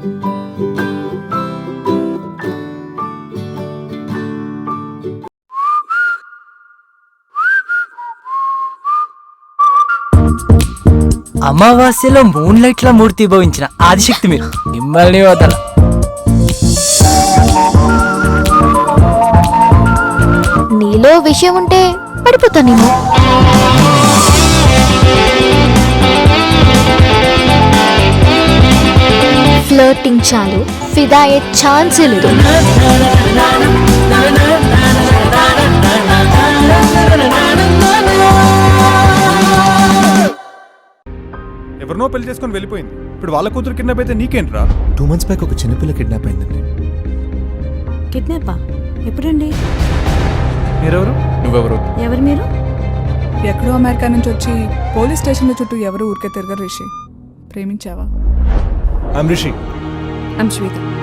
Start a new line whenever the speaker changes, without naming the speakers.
అమావాస్యలో moon light లా మూర్తి భవించిన ఆదిశక్తి మీరు, మిమ్మల్ని వదల.
నీలో విషయం ఉంటే పడిపోతా నేను. ఫ్లర్టింగ్ చాలు, ఫిదా అయ్యే ఛాన్సే లేదు.
ఎవరినో పెళ్లి చేసుకొని వెళ్ళిపోయింది, ఇప్పుడు వాళ్ళ కూతురు కిడ్నాప్ అయితే నీకేంట్రా?
2 months బ్యాక్ ఒక చిన్నపిల్ల కిడ్నాప్ అయిందండి.
కిడ్నాపా? ఎప్పుడండి?
మీరెవరు? నువ్వెవరు?
ఎవరు మీరు?
ఎక్కడో అమెరికా నుంచి వచ్చి పోలీస్ స్టేషన్ల చుట్టూ ఎవరు ఊరికే తిరగరు రిషి. ప్రేమించావా?
ఐమ్ రిషి.
I'm Shweta.